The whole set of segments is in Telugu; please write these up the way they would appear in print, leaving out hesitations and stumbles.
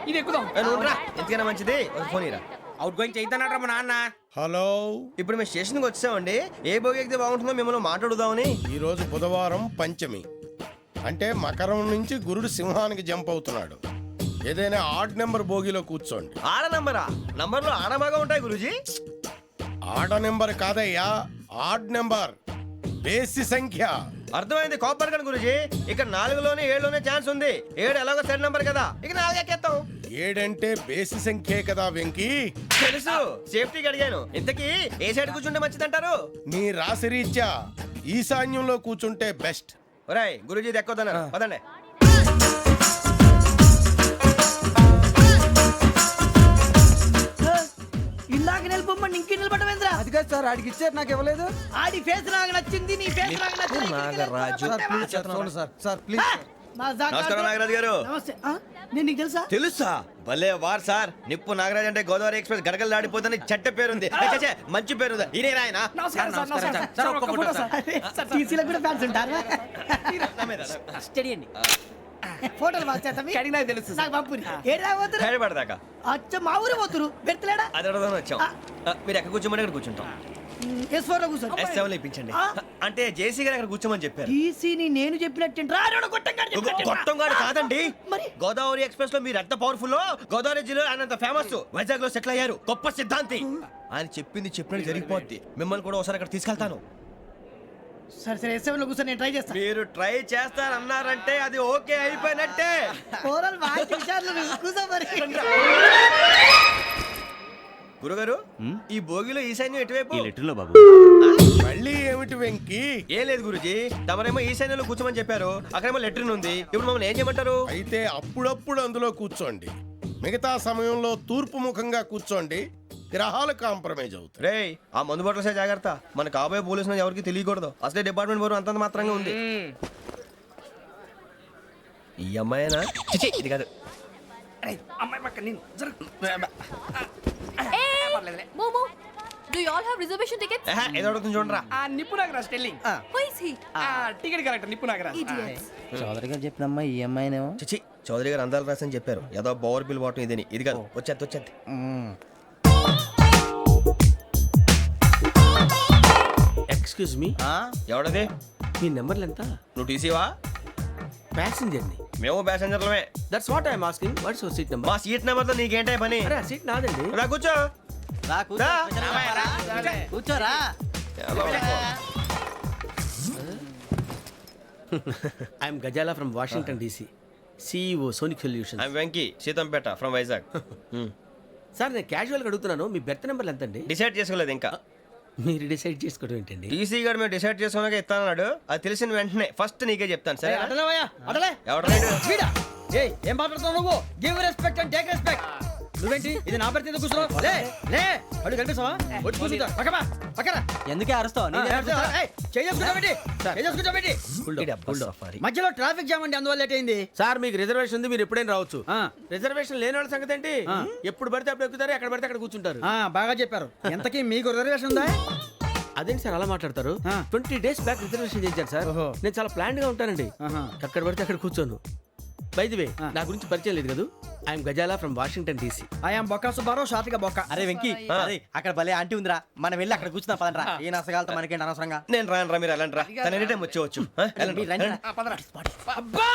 ఇది ఎక్కుదాం. ఎందుకైనా మంచిది ఫోన్ ఇరా. అవుట్ గోయింగ్ చేద్దానట మా నాన్న. హలో, ఇప్పుడు మేము స్టేషన్కి వచ్చామండి. ఏ బోగి ఎక్కితే బాగుంటుందో మిమ్మల్ని మాట్లాడుదామని. ఈరోజు బుధవారం పంచమి, అంటే మకరం నుంచి గురుడు సింహానికి జంప్ అవుతున్నాడు. ఏదైనా ఆడ్ నెంబర్ బోగిలో కూర్చోండి. ఆడ నంబరా? నంబర్లో ఆడ బాగా ఉంటాయి గురూజీ. ఆడ నెంబర్ కాదయ్యా, ఆడ్ నెంబర్, బేసి సంఖ్య. అర్థమైంది, కాపర్ కానీ గురూజీ. ఇక్కడ 4లోనే 7లోనే ఛాన్స్ ఉంది. 7 ఎలాగో సెడ్ నంబర్ కదా, ఇక 4 ఎక్కేస్తాం. 7 అంటే బేసి సంఖ్యే కదా వెంకీ. తెలుసు, సేఫ్టీకి అడిగాను. ఇంతకీ ఏ సైడ్ కూర్చుంటే మంచిదంటారు? నీ రాశి రీత్యా ఈశాన్యంలో కూర్చుంటే బెస్ట్. ఒరాయ్ గురూజీ దెక్కొద్దన్నారు, పదండి. ఇందాక నిలబొమ్మని ఇంకే నిలబడమేంద్రా? అది కాదు సార్, ఆడికి ఇచ్చారు, నాకు ఇవ్వలేదు. ఆడి ఫేస్ నాకు నచ్చింది, నీ ఫేస్ నాకు నచ్చింది. నాగరాజు. చూడండి సార్, సార్ ప్లీజ్. నమస్కారం నాగరాజు గారు. నమస్తే. నేను నీకు తెలుసా? తెలుసా? భలే వార్ సార్. నిప్పు నాగరాజ్ అంటే గోదావరి ఎక్స్ప్రెస్ గడగలు దాడిపోతుంది చెట్ట పేరుంది. ఛే, మంచి పేరుంది. ఈయన ఆయన నమస్కారం సార్, నమస్కారం సార్. ఒక్క ఫోటో సార్. సార్ టీసీలో కూడా ఫ్యాన్స్ ఉంటారా? స్టడీ అండి. ఫోటోలు మార్చేస్తాం. కడిగి నాకు తెలుసు. నాకు పంపుని. ఏడా పోతురు? హైదరాబాద్ అచ్చ మా ఊరు పోతురు. పెడతలేడా? అది అడగదామని వచ్చాం. మీరు ఎక్కడ కూర్చోమని అక్కడ కూర్చుంటాం. S4 లో కూర్చో. S7 ఇప్పించండి. అంటే జేసీ గారు అక్కడ కూర్చోమని చెప్పారు. టీసీని నేను చెప్పినట్టు రాడు గొట్టంగాడు కాదండి. మరి గోదావరి ఎక్స్ప్రెస్ లో మీరు ఎంత పవర్ఫుల్, గోదావరి జిల్లా ఆయన ఫేమస్, వైజాగ్ లో సెటిల్ అయ్యారు, గొప్ప సిద్ధాంతి. ఆయన చెప్పింది చెప్పినట్టు జరిగిపోద్ది. మిమ్మల్ని కూడా ఒకసారి అక్కడ తీసుకెళ్తాను. సరే సరే, S7 లో కూర్చో, నేను ట్రై చేస్తాను. మీరు ట్రై చేస్తారన్నారంటే అది ఓకే అయిపోయినట్టే. ఓవరాల్ వాయిస్ విషయాలు కూర్చో మరి. గురుగారు, ఈ భోగిలో ఈశాన్యం ఎటువైపు? మళ్ళీ ఏమిటి వెంకీ? ఏం లేదు గురుజీ, తమరేమో ఈశాన్యంలో కూర్చోమని చెప్పారు. అక్కడేమో లెట్రిన్ ఉంది. ఇప్పుడు మమ్మల్ని ఏం చేయమంటారు? అయితే అప్పుడప్పుడు అందులో కూర్చోండి, మిగతా సమయంలో తూర్పు ముఖంగా కూర్చోండి. గ్రహాలు కాంప్రమైజ్ అవుతాయి. రే, ఆ మందు బట్టలసే జాగ్రత్త. మన కాబోయే పోలీసులు ఎవరికి తెలియకూడదు. అసలే డిపార్ట్మెంట్ బోరు అంతంత మాత్రంగా ఉంది. ఈ అమ్మాయినా? చిచి, ఇది కాదు. అమ్మాయి పక్క నేను. Momo, do you all have reservation tickets? ఏదో అడుగుతుంది చూడరా. ఆ నిప్పు Nagaraj telling. Who is he? Ticket correct నిప్పు నాగరాజ్. Idiots. చౌదరి గారు చెప్పినమ్మా ఈ అమ్మాయినేమో. చిచి, చౌదరి గారు అందాలు రాసని చెప్పారు. ఏదో బోర్ బిల్ వాటం ఇదని. ఇది కాదు, వచ్చేది. Excuse me, ఎవడది? మీ నెంబర్లు ఎంత? నువ్వు టీసీవా? ప్యాసింజర్ ని. మేము ప్యాసెంజర్లమే. That's what I'm asking. What's your seat number? మా సీట్ నెంబర్ తో నీకేంటే పని? అరే, ఆ సీట్ నాదండి. రా కూర్చో. రా. కూర్చోరా. I'm Ghazala from Washington DC, CEO Sonic Solutions. I'm Venky, Seethampeta from Vizag. Sir, నేను క్యాజువల్గా అడుగుతున్నాను, మీ బెర్త్ నెంబర్లు ఎంత అండి? డిసైడ్ చేసుకోలేదు ఇంకా. మీరు డిసైడ్ చేసుకోవడం ఏంటండి? టీసీ గారు మేము డిసైడ్ చేసుకున్నాక ఇస్తానన్నాడు. అది తెలిసిన వెంటనే ఫస్ట్ నీకే చెప్తాను. సరే? అడలే ఎవరు? ఏం మాట్లాడుతావు నువ్వు? Give respect and take respect. నువ్వేంటి ఇది నా పరిస్థితి ఎందుకు కూర్చున్నావు? లే లే, అడుగు కనిపిస్తావా? వచ్చి కూర్చుంటా. పక్కన ఎందుకే అరుస్తావు? మధ్యలో ట్రాఫిక్ జామ్ అండి, అందువల్ల లేట్ అయింది. సార్, మీకు రిజర్వేషన్ ఉంది, మీరు ఎప్పుడైనా రావచ్చు. రిజర్వేషన్ లేని వాళ్ళ సంగతి ఏంటి? ఎప్పుడు పడితే అప్పుడు ఎక్కుతారు, ఎక్కడ పడితే అక్కడ కూర్చుంటారు. బాగా చెప్పారు. ఎంతకీ మీకు రిజర్వేషన్ ఉందా? అదేంటి సార్ అలా మాట్లాడతారు? 20 days బ్యాక్ రిజర్వేషన్ చేశారు సార్. నేను చాలా ప్లాన్డ్ గా ఉంటానండి. ఎక్కడ పడితే అక్కడ కూర్చోను. బై ది వే, నా గురించి పరిచయం లేదు కదా. I'm Ghazala from Washington DC. I'm బొక్క సుబ్బారావు, షార్ట్గా బొక్క. అరే వెంకీ, అక్కడ భలే ఆంటీ ఉందిరా, మనం వెళ్ళి అక్కడ కూర్చున్నా పదనరా. ఏ నసగాలతో మనకేంటి అనవసరంగా. నేను రాను రా, మీరు ఎలాంటి రా. తన ఎనీ టైం వచ్చేవచ్చు. అబ్బా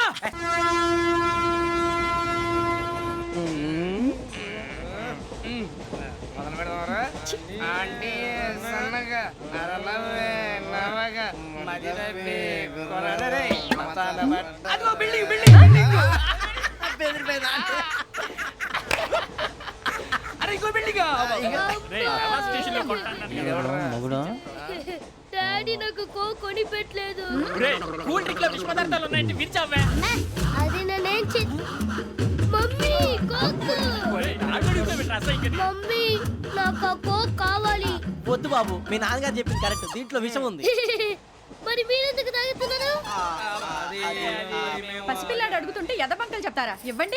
డాడీ నాకు కోక్ కొని పెట్టలేదు. కూల్ డ్రింక్ లో విష పదార్థాలు ఉన్నాయంటే విరిచావే. అది నేనేం మమ్మీ కోక్. మమ్మీ నాకు ఆ కోక్ కావాలి. వద్దు బాబు, మీ నాన్నగారు చెప్పింది కరెక్ట్, దీంట్లో విషయం ఉంది. మరి మీరెందుకు తాగుతున్నారు? పసిపిల్లాడు అడుగుతుంటే ఎదబంకలు చెప్తారా? ఇవ్వండి.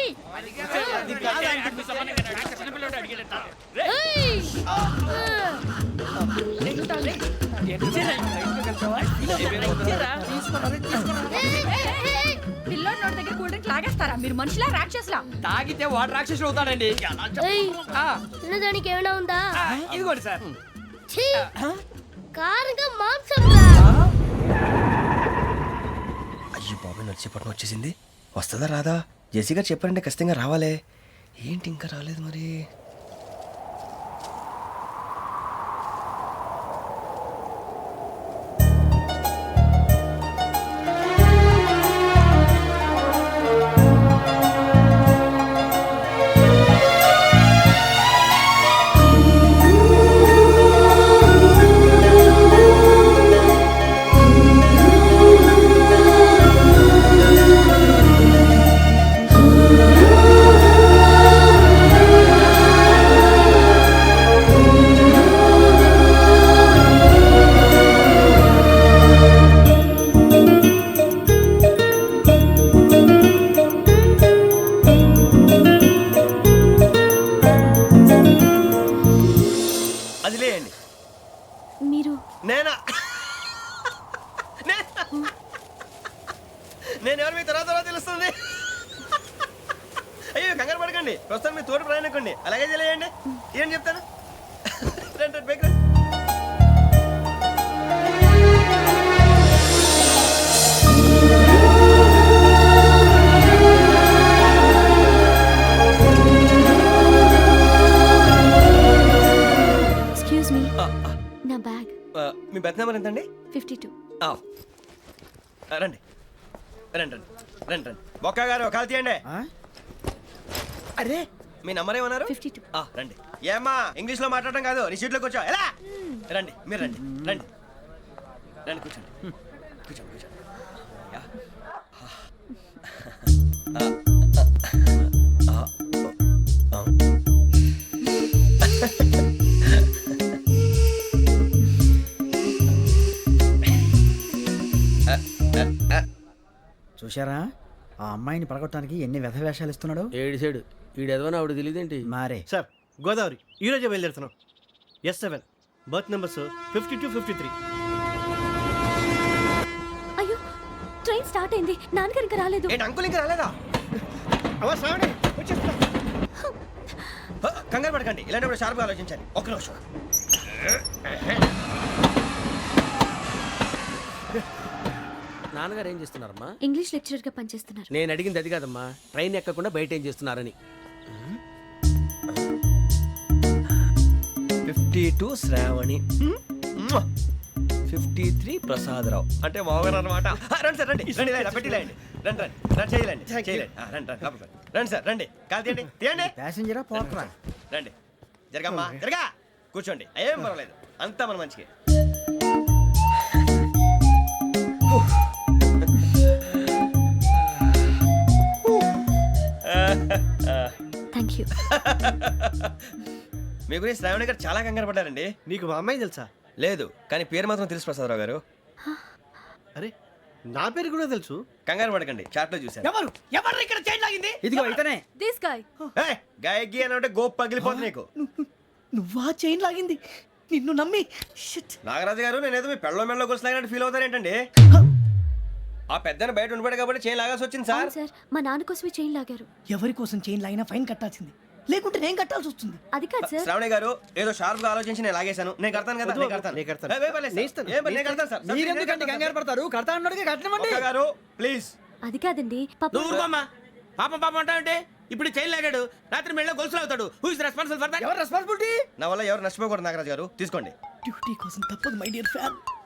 పిల్లోడి నోటి దగ్గర కూల్ డ్రింక్ లాగేస్తారా మీరు మనుషులా రాక్షసులా? తాగితే వాడు రాక్షసుడు అవుతాడండి ఏయ్, ఆ, తినడానికి ఏమైనా ఉందా? ఆ, ఇదిగోండి సార్. ఛీ! కారంగా మాంసం రా. అయ్యో బాబాయ్ నడిచేపట్నం వచ్చేసింది. వస్తుందా రాదా? జెసి గారు చెప్పారంటే ఖచ్చితంగా రావాలే. ఏంటి ఇంకా రాలేదు మరి? అది లేయండి. మీరు నేనా? నేను ఎవరు మీ తర్వాత తెలుస్తుంది. అయ్యో కంగారు పడకండి, ప్రస్తుతం మీ తోటి ప్రయాణకండి. అలాగే తెలియండి. ఏం చెప్తాను. రండి బైక్ రండి. ఎక్స్క్యూజ్ మీ, నా బ్యాగ్. మీ బెత్ నెంబర్ ఎంతండి? 52. రండి రండి రండి రండి రండి. బొక్క గారు కాల్ తీయండి. అరే మీ నంబర్ ఏమన్నారు? 52. రండి. ఏమ్మా ఇంగ్లీష్ లో మాట్లాడడం కాదు, నీ సీట్లో కూర్చో. ఎలా రండి, మీరు రండి రండి రండి కూర్చోండి కూర్చోండి కూర్చోండి. యా. చూశారా ఆ అమ్మాయిని పడగొట్టడానికి ఎన్ని వ్యధ వేషాలు ఇస్తున్నాడు. ఏడు సైడు ఈడు ఎదవని ఆవిడ తెలియదేంటి? మారే సార్ గోదావరి ఈరోజే బయలుదేరుతున్నాం. S7 berth numbers 52, 53. అయ్యో, ట్రైన్ స్టార్ట్ అయింది. నాన్నగారు ఇంకా రాలేదు. ఏంటి అంకుల్ ఇంకా రాలేదా? కంగారు పడకండి, ఇలాంటప్పుడు షార్ప్గా ఆలోచించండి. ఒక్క నిమిషం. నాన్నగారు ఏం చేస్తున్నారమ్మా? ఇంగ్లీష్ లెక్చరర్ గా పనిచేస్తున్నారు. నేను అడిగింది అది కాదమ్మా, ట్రైన్ ఎక్కకుండా బయట ఏం చేస్తున్నారని. 52 శ్రావణి, 53 ప్రసాదరావు అంటే మామగారు అనమాట. రండి సార్ రండి రండి ఇలా పెట్టి లేండి. రండి రండి రండి చేయలేండి చేయలేండి. రండి రండి లోపలికి రండి. రండి సార్ రండి, కాల్ తీయండి తీయండి. ప్యాసింజరా పోట్రా. రండి జరగమ్మా జరగా కూర్చోండి. ఏం పర్వాలేదు, అంతా మన మంచికి. Thank you. మీ గురించి శ్రావణి గారు చాలా కంగారు పడ్డారండి. నీకు మా అమ్మాయి తెలుసా? లేదు, కానీ పేరు మాత్రం తెలుసు ప్రసాదరావు గారు. అరే నా పేరు కూడా తెలుసు. కంగారు పడకండి, చాట్ లో చూశాను. ఎవరు ఎవరు ఇక్కడ చైన్ లాగింది? ఇదిగో ఇతనే. This guy. గాయకి అని అంటే గోప్ పగిలిపోతుంది నీకు. నువ్వా చైన్ లాగింది? నిన్ను నమ్మి నాగరాజు గారు నేనేదో మీ పెళ్ళ మెళ్ళలో గురిసిలాగినట్టు ఫీల్ అవుతారేంటండి? ఆ పెద్దని బయట ఉండిపోయాడు కాబట్టి చైన్ లాగాల్సి వచ్చింది సార్. అవును సార్, మా నాన్న కోసమే చైన్ లాగారు. ఎవరి కోసం చైన్ లాగినా ఫైన్ కట్టాల్సింది, లేకుంటే నేను కట్టాల్సి వస్తుంది. అది కాదు సార్. శ్రావణి గారు ఏదో షార్ప్ గా ఆలోచించి నేను లాగేశాను. నేను కడతాను కదా, నేను కడతాను. నేను కడతాను. ఏ, పర్లేదు సార్. నేను ఇస్తాను. ఏ, పర్లేదు, నేను కడతాను సార్. మీరెందుకంటే కంగారు పడతారు? కడతా అన్నాడుగా కట్టమండి. ఒక్క గారు ప్లీజ్. అది కాదండి పాప. నువ్వు ఊరుకోమ్మా. పాపం పాపం అంటావంటే ఇప్పుడు చైన్ లాగాడు, రాత్రి మెళ్ళ గొలుసులు అవుతాడు. Who is responsible for that? ఎవరు రెస్పాన్సిబిలిటీ? నా వల్ల ఎవరు నష్టపోకూడదు నాగరాజు గారు, తీసుకోండి. డ్యూటీ కోసం తప్పదు మై డియర్ ఫ్యాన్.